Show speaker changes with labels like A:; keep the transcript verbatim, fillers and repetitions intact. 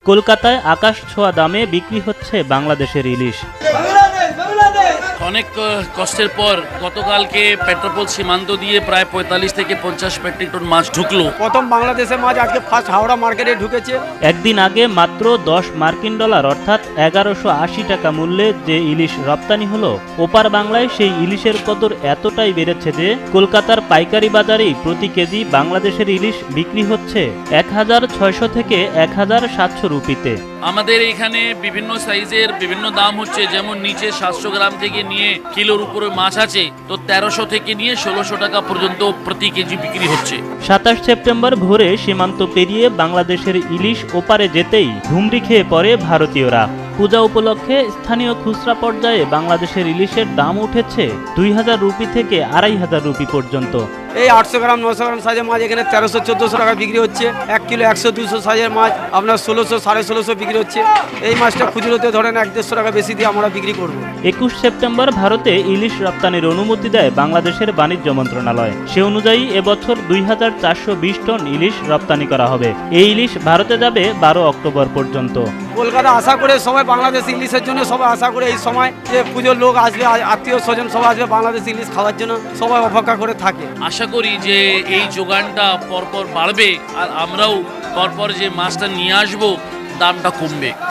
A: কলকাতায় আকাশ ছোঁয়া দামে বিক্রি হচ্ছে বাংলাদেশের ইলিশ।
B: অনেক কষ্টের পর গতকালকে পেট্রোপোল সীমান্ত দিয়ে প্রায় পঁয়তাল্লিশ থেকে পঞ্চাশ মেট্রিক টন মাছ ঢুকলো।
C: প্রথম বাংলাদেশের মাছ আজকে ফার্স্ট হাওড়া মার্কেটে ঢুকেছে।
A: একদিন আগে মাত্র দশ মার্কিন ডলার অর্থাৎ এগারোশো আশি টাকা মূল্যে যে ইলিশ রপ্তানি হলো, ওপার বাংলায় সেই ইলিশের কদর এতটাই বেড়েছে যে কলকাতার পাইকারি বাজারেই প্রতি কেজি বাংলাদেশের ইলিশ বিক্রি হচ্ছে এক হাজার ছয়শো থেকে এক হাজার সাতশো রুপিতে।
B: আমাদের এখানে বিভিন্ন সাইজের বিভিন্ন দাম হচ্ছে, যেমন নিচে সাতশো গ্রাম থেকে নিয়ে কিলোর উপরে মাছ আছে তো তেরোশো থেকে নিয়ে ষোলোশো টাকা পর্যন্ত প্রতি কেজি বিক্রি হচ্ছে।
A: সাতাশ সেপ্টেম্বর ভোরে সীমান্ত পেরিয়ে বাংলাদেশের ইলিশ ওপারে যেতেই হুমড়ি খেয়ে পড়ে ভারতীয়রা। পূজা উপলক্ষে স্থানীয় খুচরা পর্যায়ে বাংলাদেশের ইলিশের দাম উঠেছে দুই হাজার রুপি থেকে আড়াই হাজার রুপি পর্যন্ত।
C: এই আটশো গ্রাম নশো গ্রাম সাইজের মাছ এখানে তেরোশো চোদ্দোশো টাকা বিক্রি হচ্ছে। এক কিলো একশো দুশো সাইজের মাছ আপনার ষোলোশো সাড়ে ষোলোশো বিক্রি হচ্ছে। এই মাছটা খুচরোতে ধরেন এক দেড়শো টাকা বেশি দিয়ে আমরা বিক্রি করবো।
A: একুশ সেপ্টেম্বর ভারতে ইলিশ রপ্তানির অনুমতি দেয় বাংলাদেশের বাণিজ্য মন্ত্রণালয়। সে অনুযায়ী এবছর দুই হাজার চারশো বিশ টন ইলিশ রপ্তানি করা হবে। এই ইলিশ ভারতে যাবে বারো অক্টোবর পর্যন্ত।
C: কলকাতা আশা করে সবাই বাংলাদেশ ইলিশের জন্য সবাই আশা করে এই সময় যে পুজোর লোক আসবে, আত্মীয় স্বজন সবাই আসবে বাংলাদেশ ইলিশ খাওয়ার জন্য, সবাই অপেক্ষা করে থাকে।
B: আশা করি যে এই যোগানটা পরপর বাড়বে আর আমরাও পরপর যে মাছটা নিয়ে আসবো দামটা কমবে।